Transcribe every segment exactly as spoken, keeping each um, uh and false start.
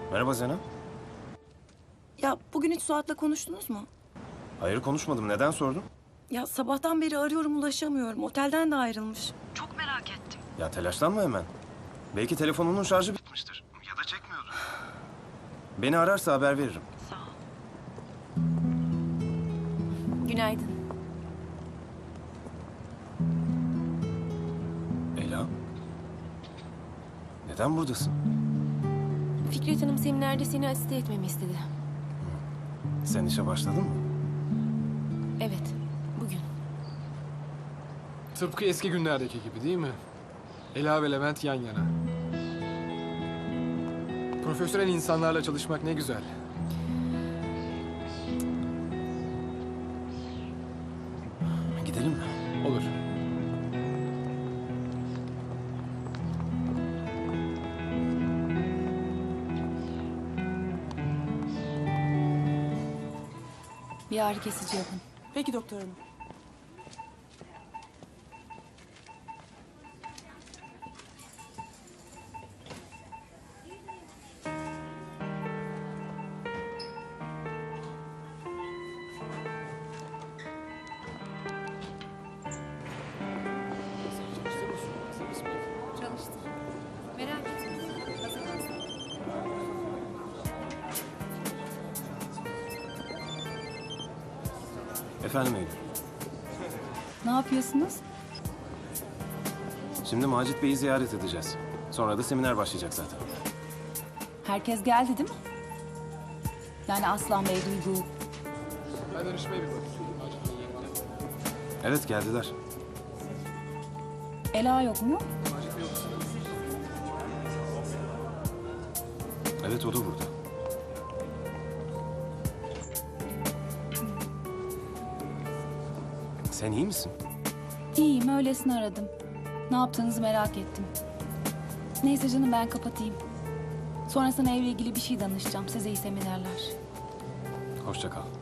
Merhaba Zeynep. Ya bugün hiç Suat'la konuştunuz mu? Hayır konuşmadım. Neden sordun? Ya sabahtan beri arıyorum ulaşamıyorum. Otelden de ayrılmış. Çok merak ettim. Ya telaşlanma hemen. Belki telefonunun şarjı bitmiştir. Ya da çekmiyordur. Beni ararsa haber veririm. Sağ ol. Günaydın. Ela. Neden buradasın? Fikret Hanım seminerde seni asiste etmemi istedi. Sen işe başladın mı? Evet, bugün. Tıpkı eski günlerdeki gibi değil mi? Ela ve Levent yan yana. Profesyonel insanlarla çalışmak ne güzel. Gidelim mi? Olur. Bir ağrı kesici yapın. Peki doktor hanım. Çalıştır. Merak etme. Hazırlansın. Efendim Eylül. Ne yapıyorsunuz? Şimdi Macit Bey'i ziyaret edeceğiz. Sonra da seminer başlayacak zaten. Herkes geldi değil mi? Yani Aslan Bey, Duygu. Ben danışmaya bir bakayım. Evet geldiler. Ela yok mu? Evet o da burada. Sen iyi misin? İyiyim, öylesine aradım. Ne yaptığınızı merak ettim. Neyse canım, ben kapatayım. Sonra sana evle ilgili bir şey danışacağım. Size iyi seminerler. Hoşça kal.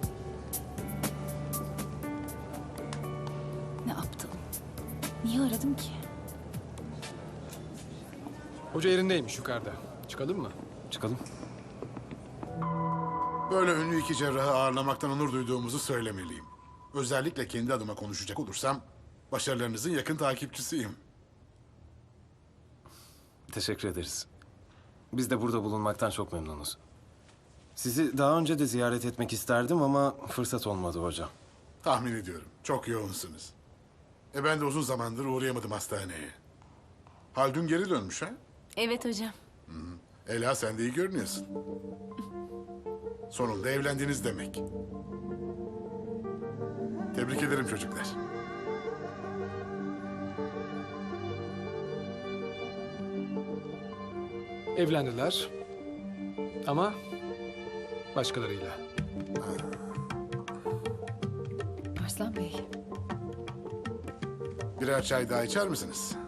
Ne aptalım. Niye aradım ki? Hoca yerindeymiş yukarıda. Çıkalım mı? Çıkalım. Böyle ünlü iki cerrahı ağırlamaktan onur duyduğumuzu söylemeliyim. Özellikle kendi adıma konuşacak olursam başarılarınızın yakın takipçisiyim. Teşekkür ederiz. Biz de burada bulunmaktan çok memnunuz. Sizi daha önce de ziyaret etmek isterdim ama fırsat olmadı hocam. Tahmin ediyorum. Çok yoğunsunuz. E ben de uzun zamandır uğrayamadım hastaneye. Haldun geri dönmüş ha? Evet hocam. Ela sen de iyi görünüyorsun. Sonunda evlendiniz demek. Tebrik ederim çocuklar. Evlendiler. Ama başkalarıyla. Arslan Bey. Birer çay daha içer misiniz?